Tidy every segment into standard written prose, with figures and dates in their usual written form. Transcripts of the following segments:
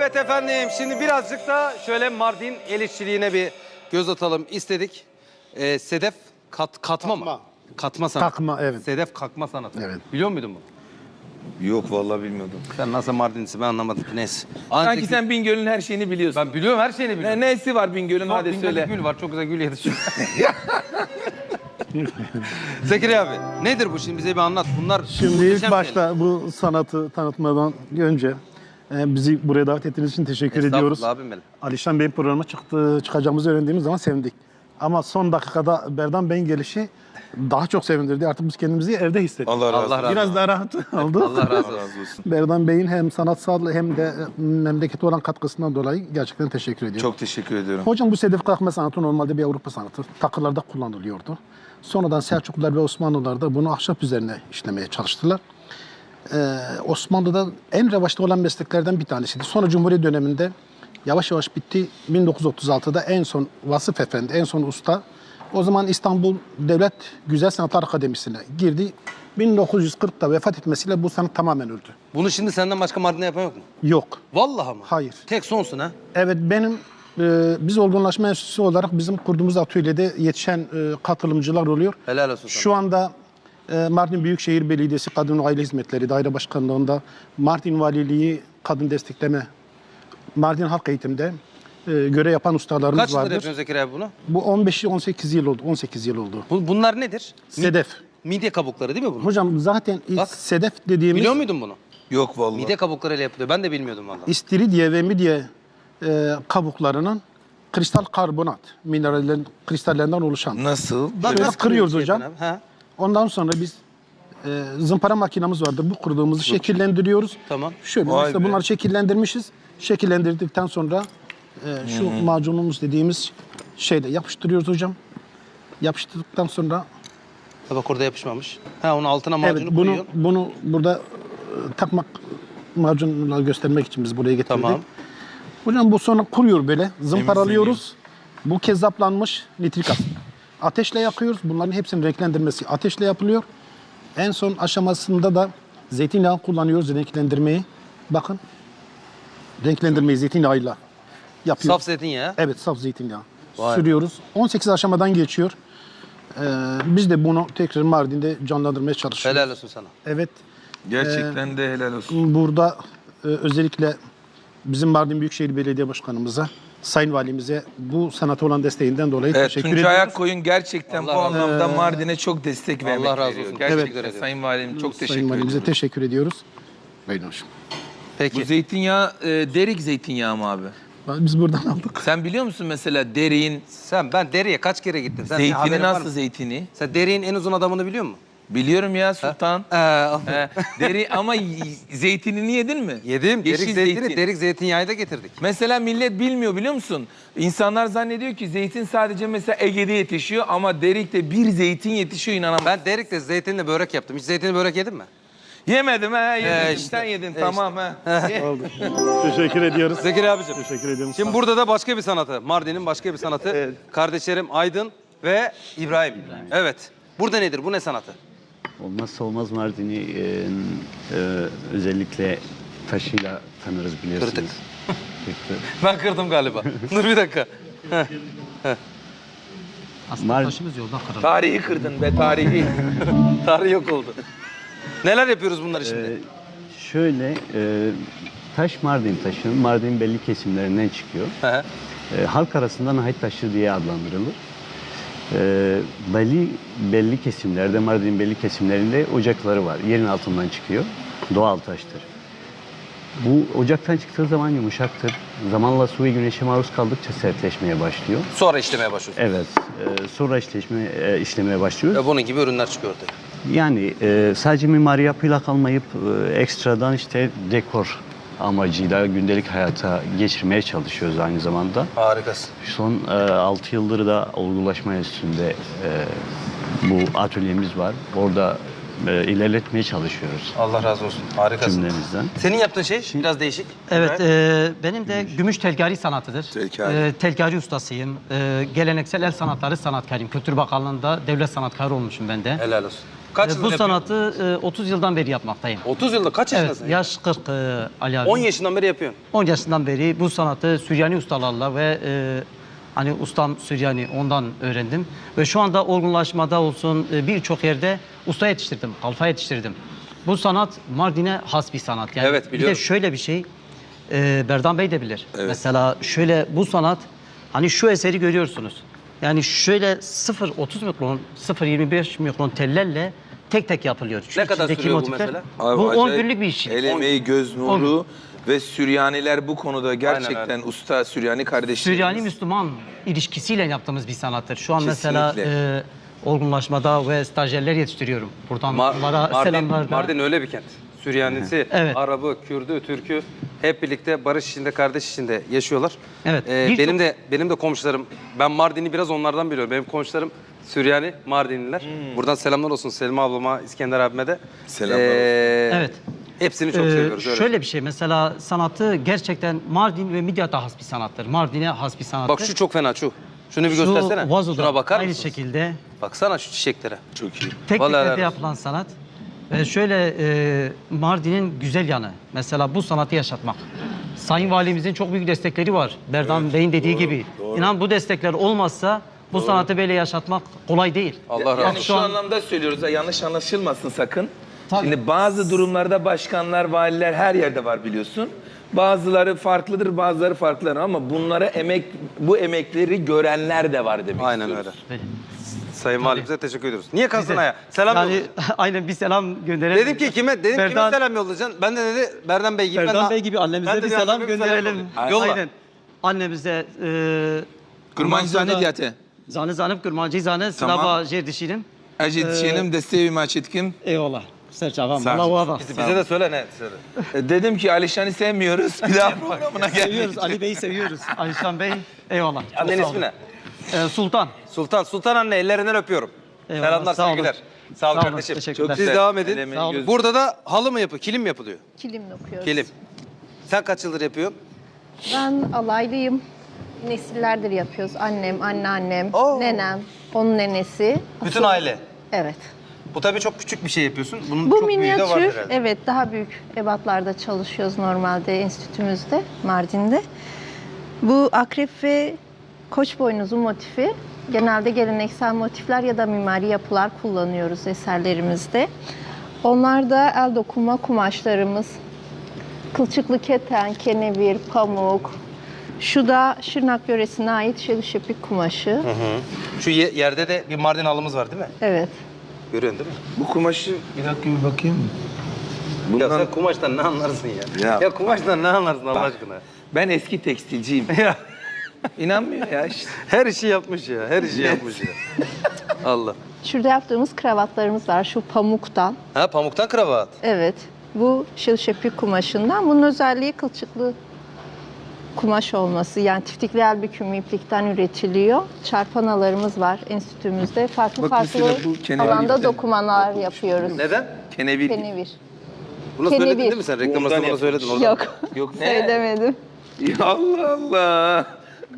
Evet efendim, şimdi birazcık da şöyle Mardin el işçiliğine bir göz atalım istedik. Sedef katma mı? Katma sanatı. Kakma, evet. Sedef kakma sanatı. Evet. Biliyor muydun bunu? Yok vallahi bilmiyordum. Sen nasıl Mardinlisin ben anlamadım ki, neyse. Sanki sen Bingöl'ün her şeyini biliyorsun. Ben biliyorum, her şeyini biliyorum. Nesi var Bingöl'ün, hadi Bingöl'de söyle. gül var, çok güzel gül yetişiyor. Zekeriya abi, nedir bu şimdi, bize bir anlat. Bunlar Şimdi muhteşem ilk başta bu sanatı tanıtmadan önce bizi buraya davet ettiğiniz için teşekkür şeyler. ediyoruz. Estağfurullah abim benim. Alişan Bey'in programa çıkacağımızı öğrendiğimiz zaman sevindik. Ama son dakikada Berdan Bey'in gelişi daha çok sevindirdi. Artık biz kendimizi evde hissettik. Allah razı olsun. Allah razı olsun. Biraz daha rahat oldu. Allah razı olsun. razı olsun. Berdan Bey'in hem sanatsal hem de memlekete olan katkısından dolayı gerçekten teşekkür ediyorum. Çok teşekkür ediyorum. Hocam bu sedef kalkma sanatı normalde bir Avrupa sanatı. Takılarda kullanılıyordu. Sonradan Selçuklular ve Osmanlılar da bunu ahşap üzerine işlemeye çalıştılar. Osmanlı'da en revaçta olan mesleklerden bir tanesiydi. Sonra Cumhuriyet döneminde yavaş yavaş bitti. 1936'da en son Vasıf Efendi, en son usta o zaman İstanbul Devlet Güzel Sanatlar Akademisi'ne girdi. 1940'da vefat etmesiyle bu sanat tamamen öldü. Bunu şimdi senden başka Mardin'de yapan yok mu? Yok. Vallahi mı? Hayır. Tek sonsun ha. Evet, benim biz olgunlaşma enstitüsü olarak bizim kurduğumuz atölyede yetişen katılımcılar oluyor. Helal olsun sana. Şu anda Mardin Büyükşehir Belediyesi Kadın ve Aile Hizmetleri Daire Başkanlığı'nda, Mardin Valiliği Kadın Destekleme, Mardin Halk Eğitim'de görev yapan ustalarımız Kaç yıldır vardır. yapıyorsun Zekeriya abi bunu? Bu 18 yıl oldu. 18 yıl oldu. Bunlar nedir? Sedef. Midye kabukları değil mi bunlar? Hocam zaten Bak. sedef dediğimiz Biliyor muydun bunu? Yok vallahi. Midye kabuklarıyla yapılıyor. Ben de bilmiyordum vallahi. istiridye ve midye kabuklarının kristal karbonat minerallerin kristallerinden oluşan. Nasıl? Şöyle nasıl kırıyoruz şey hocam. yapın abi? Ha, Ondan sonra biz zımpara makinamız vardır. Bu kırdığımızı şekillendiriyoruz. tamam. Şöyle Vay mesela be. bunları şekillendirmişiz. Şekillendirdikten sonra şu macunumuz dediğimiz şeyle yapıştırıyoruz hocam. Yapıştırdıktan sonra Ha, bak orada yapışmamış. Ha, onun altına macunu evet koyuyor. bunu burada takmak macunla göstermek için biz buraya getirdik. Tamam. Hocam bu sonra kuruyor böyle. Zımparalıyoruz. Bu kezzaplanmış nitrik asit. Ateşle yakıyoruz. Bunların hepsinin renklendirmesi ateşle yapılıyor. En son aşamasında da zeytinyağı kullanıyoruz renklendirmeyi. Bakın. Renklendirmeyi zeytinyağıyla yapıyoruz. Saf zeytinyağı. Evet, saf zeytinyağı. Vay. Sürüyoruz. 18 aşamadan geçiyor. Biz de bunu tekrar Mardin'de canlandırmaya çalışıyoruz. Helal olsun sana. Evet. Gerçekten de helal olsun. Burada özellikle bizim Mardin Büyükşehir Belediye Başkanımıza, Sayın Valimize bu sanata olan desteğinden dolayı Evet, teşekkür Tuncay ediyoruz. Akkoyun gerçekten Allah bu razı olsun. anlamda Mardin'e çok destek vermek razı veriyor. olsun. Gerçekten Evet. Sayın Valim çok teşekkür Sayın Valimize ederim. teşekkür ediyoruz. Buyurun hocam. Peki. Bu zeytinyağı derik zeytinyağı mı abi? Biz buradan aldık. Sen biliyor musun mesela deriğin Ben Deri'ye kaç kere gittim? Sen zeytini haberin var nasıl mı? zeytini? Sen Deri'nin en uzun adamını biliyor musun? Biliyorum ya Sultan. Deri ama zeytinini yedin mi? Yedim. Yeşil Derik zeytini, zeytin. derik zeytinyağı da getirdik. Mesela millet bilmiyor biliyor musun? İnsanlar zannediyor ki zeytin sadece mesela Ege'de yetişiyor ama Derik'te bir zeytin yetişiyor inanamam. Ben Derik'te zeytinle börek yaptım. Hiç zeytinli börek yedin mi? Yemedim ha yedim. işte. Sen yedin tamam ha. Oldu. Teşekkür ediyoruz. Zekeriya abicim. Teşekkür ediyorum. Şimdi burada da başka bir sanatı. Mardin'in başka bir sanatı. Kardeşlerim Aydın ve İbrahim. Evet. Burada nedir? Bu ne sanatı? Olmazsa olmaz Mardin'i özellikle taşıyla tanırız biliyorsunuz. Kırdık. Kırdık. Ben kırdım galiba. Dur bir dakika. Tarihi kırdın be tarihi. Tarih yok oldu. Neler yapıyoruz bunları şimdi? Şöyle taş Mardin taşı, Mardin belli kesimlerinden çıkıyor. Hı hı. Halk arasında nahit taşı diye adlandırılır. Belli kesimlerde, Mardin belli kesimlerinde ocakları var. Yerin altından çıkıyor. Doğal taştır. Bu ocaktan çıktığı zaman yumuşaktır. Zamanla su ve güneşe maruz kaldıkça sertleşmeye başlıyor. Sonra işlemeye başlıyoruz. Evet, sonra işlemeye başlıyoruz. Ve bunun gibi ürünler çıkıyor ortaya. Yani sadece mimari yapıyla kalmayıp ekstradan işte dekor amacıyla gündelik hayata geçirmeye çalışıyoruz aynı zamanda. Harikasın. Son 6 yıldır da olgulaşma enstitüsünde bu atölyemiz var. Orada ilerletmeye çalışıyoruz Allah razı olsun. Harikasın. cümlemizden. Senin yaptığın şey biraz değişik. Evet, benim de gümüş telgari sanatıdır. Telgari. Telgari ustasıyım. Geleneksel el sanatları sanatkarıyım. Kültür Bakanlığı'nda devlet sanatkarı olmuşum ben de. Helal olsun. Kaç yıldır Bu yapıyorsun? sanatı 30 yıldan beri yapmaktayım. 30 yılda kaç Evet, yaşındasın? yaş 40 Ali abi. 10 yaşından beri yapıyorsun. 10 yaşından beri bu sanatı Süryani ustalarla ve hani ustam Süryani ondan öğrendim. Ve şu anda olgunlaşmada olsun birçok yerde usta yetiştirdim, kalfa yetiştirdim. Bu sanat Mardin'e has bir sanat. Yani Evet, bir biliyorum. de şöyle bir şey, Berdan Bey de bilir. Mesela şöyle bu sanat, hani şu eseri görüyorsunuz. Yani şöyle 0.30 mikron, 0.25 mikron tellerle tek tek yapılıyor. Şu Ne kadar içindeki sürüyor bu motifler- mesela? Abi Bu 10 acayip günlük bir iş. El emeği, göz nuru ve Süryaniler bu konuda gerçekten öyle. usta Süryani kardeşlerimiz. Süryani-Müslüman ilişkisiyle yaptığımız bir sanattır. Şu an mesela Kesinlikle. olgunlaşmada ve stajyerler yetiştiriyorum. Buradan onlara selamlar da. Mardin öyle bir kent. Süryanisi, Evet. Arabı, Kürdü, Türkü hep birlikte barış içinde, kardeş içinde yaşıyorlar. Evet. Benim de komşularım, ben Mardin'i biraz onlardan biliyorum. Benim komşularım Süryani, Mardinliler. Buradan selamlar olsun Selma ablama, İskender abime de. Selamlar olsun. Evet. Hepsini çok seviyoruz. Öyle. Şöyle bir şey mesela sanatı gerçekten Mardin ve Midyat'a has bir sanattır. Mardin'e has bir sanattır. Bak şu çok fena şu. Şunu bir Şu göstersene. vazoda Şuna bakar aynı mısınız? şekilde Baksana şu çiçeklere. Çok iyi. tek Vallahi helal teklerde olsun. yapılan sanat. Ve şöyle Mardin'in güzel yanı mesela bu sanatı yaşatmak. Sayın Valimizin çok büyük destekleri var. Berdan Bey'in dediği gibi. İnan bu destekler olmazsa bu sanatı böyle yaşatmak kolay değil. Allah razı Yani olsun. şu anlamda söylüyoruz ha, yanlış anlaşılmasın sakın. Tabii. Şimdi bazı durumlarda başkanlar, valiler her yerde var biliyorsun. Bazıları farklıdır, bazıları farklıdır ama bunlara bu emekleri görenler de var demek Aynen istiyoruz. öyle. Böyle. Sayın Valimize teşekkür ediyoruz. Niye kastın ya? Selam Yani yolla. aynen bir selam gönderelim. Dedim ki kime? Dedim kime selam yollayacaksın? Ben de dedi Berdan Bey gibi. Berdan Bey gibi annemize Ben de bir Berdan selam Bey'e bir gönderelim. yollayayım. Yolla. Aynen. Annemize Kurban zane diyate. Zanı zanıp kurmancı zanı Tamam. sınava jerdişinim. Acit şeyim desteği maçetkim. Eyvallah. Serçavam. Sağ ol. Allah bak. Bize de söyle ne? Söyle. Dedim ki Alişan'ı sevmiyoruz. Bir daha programına Seviyoruz. geldik. Ali Bey'i seviyoruz. Alişan Bey. Eyvallah. Annenin Sağ olun. ismi ne? Sultan. Sultan anne ellerinden öpüyorum. Eyvallah, Selamlar, sağ olun. sevgiler. Sağ olun Sağ olun, kardeşim. teşekkürler. Siz devam edin. Elemeyi Sağ olun. göz- Burada da halı mı yapıyor? Kilim mi yapılıyor? Kilimle okuyoruz. Kilim. Sen kaç yıldır yapıyorsun? Ben alaylıyım. Nesillerdir yapıyoruz. Annem, anneannem, Oo. nenem, onun nenesi. Bütün aile. Evet. Bu tabii çok küçük bir şey yapıyorsun. Bunun Bu çok büyüğü de var minyatür, herhalde. evet daha büyük ebatlarda çalışıyoruz normalde enstitümüzde, Mardin'de. Bu akrep ve koç boynuzu motifi. Genelde geleneksel motifler ya da mimari yapılar kullanıyoruz eserlerimizde. Onlar da el dokuma kumaşlarımız. Kılçıklı keten, kenevir, pamuk. Şu da Şırnak yöresine ait şelişepik kumaşı. Şu yerde de bir Mardin halımız var değil mi? Evet. Görüyorsun değil mi? Bu kumaşı bir dakika bir bakayım. Ya Bundan sen kumaştan ne anlarsın ya? Ya kumaştan ne anlarsın Allah aşkına? ben eski tekstilciyim. Ya İnanmıyor ya işte. her işi yapmış ya. Her işi yapmış ya. Allah. Şurada yaptığımız kravatlarımız var şu pamuktan. Ha pamuktan kravat. Evet. Bu şilşepik kumaşından. Bunun özelliği kılçıklı kumaş olması. Yani tiftikli el bükümü iplikten üretiliyor. Çarpanalarımız var enstitümüzde. Farklı Bak farklı mesela bu kenevir. alanda dokumalar yapıyoruz. Neden? Kenevir. Kenevir. Bunu Kenevir. söyledin değil mi sen? Reklam arasında bana söyledin. Oradan. Yok. Yok ne? Söylemedim. Ya Allah Allah.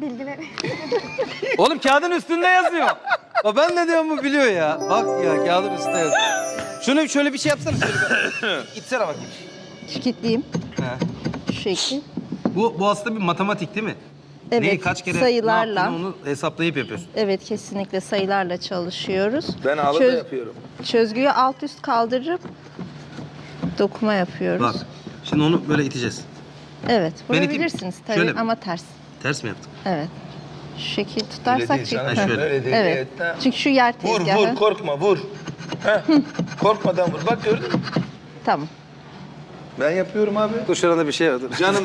Oğlum kağıdın üstünde yazıyor. Ben ne diyorum bu biliyor ya. Bak ya kağıdın üstünde yazıyor. Şunu şöyle bir şey yapsana. Şöyle bir... İtsene bakayım. Şirketliyim. He. Şu şekil. Bu aslında bir matematik değil mi? Evet. Neyi kaç kere sayılarla. ne yaptığını onu hesaplayıp yapıyorsun. Evet, kesinlikle sayılarla çalışıyoruz. Ben halı da yapıyorum. Çözgüyü alt üst kaldırıp dokuma yapıyoruz. Bak. Şimdi onu böyle iteceğiz. Evet, Ben vurabilirsiniz iteyim. tabii Şöyle mi? ama ters. Ters mi yaptım? Evet. Şu şekil tutarsak Ha, şöyle. Öyle değil. Evet. Çünkü şu yer Vur tezgahı. vur korkma vur. Heh. Korkmadan vur. Bak gördün mü? Tamam. Ben yapıyorum abi. Dur şurada bir şey var. Dur. Canım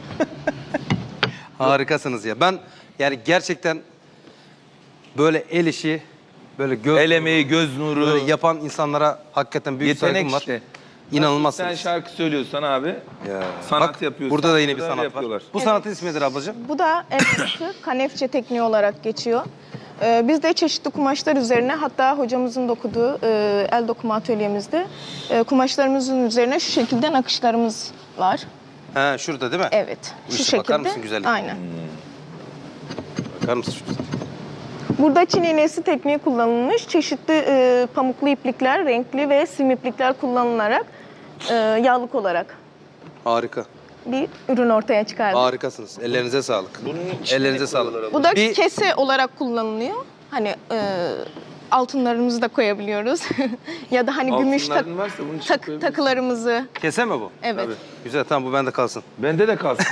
Harikasınız ya. Ben yani gerçekten böyle el işi, böyle göz, el emeği, göz nuru, böyle yapan insanlara hakikaten büyük yetenek saygım var. işte. İnanılmazsınız. Sen şarkı söylüyorsan abi. Ya. Sanat Bak, yapıyorsun. burada da yine bir Burada sanat yapıyorlar. var. Bu sanatın ismi nedir ablacığım? Bu da el sanatı, kanefçe tekniği olarak geçiyor. Biz de çeşitli kumaşlar üzerine, hatta hocamızın dokuduğu el dokuma atölyemizde kumaşlarımızın üzerine şu şekilde nakışlarımız var. Ha şurada değil mi? Evet, Bu şu işe bakar şekilde. mısın güzellikle? Aynen. Bakar mısın şu güzel? Burada Çin iğnesi tekniği kullanılmış. Çeşitli pamuklu iplikler, renkli ve sim iplikler kullanılarak yağlık olarak Harika. bir ürün ortaya çıkardık. Harikasınız. Ellerinize sağlık. Ellerinize sağlık. Bu da Bir- kese olarak kullanılıyor. Hani altınlarımızı da koyabiliyoruz. Ya da hani gümüş Altınların varsa bunun için koyabilirsin. takılarımızı. Kese mi bu? Evet. Güzel, tamam, bu bende kalsın. Bende de kalsın.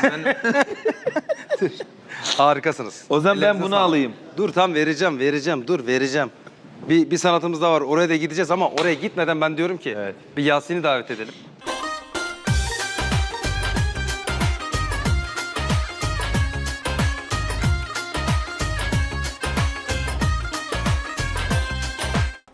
Harikasınız. O zaman ben Ellerinize bunu sağlık. alayım. Dur, tam vereceğim. Dur, vereceğim. Bir sanatımız daha var. Oraya da gideceğiz ama oraya gitmeden ben diyorum ki Evet. bir Yasin'i davet edelim.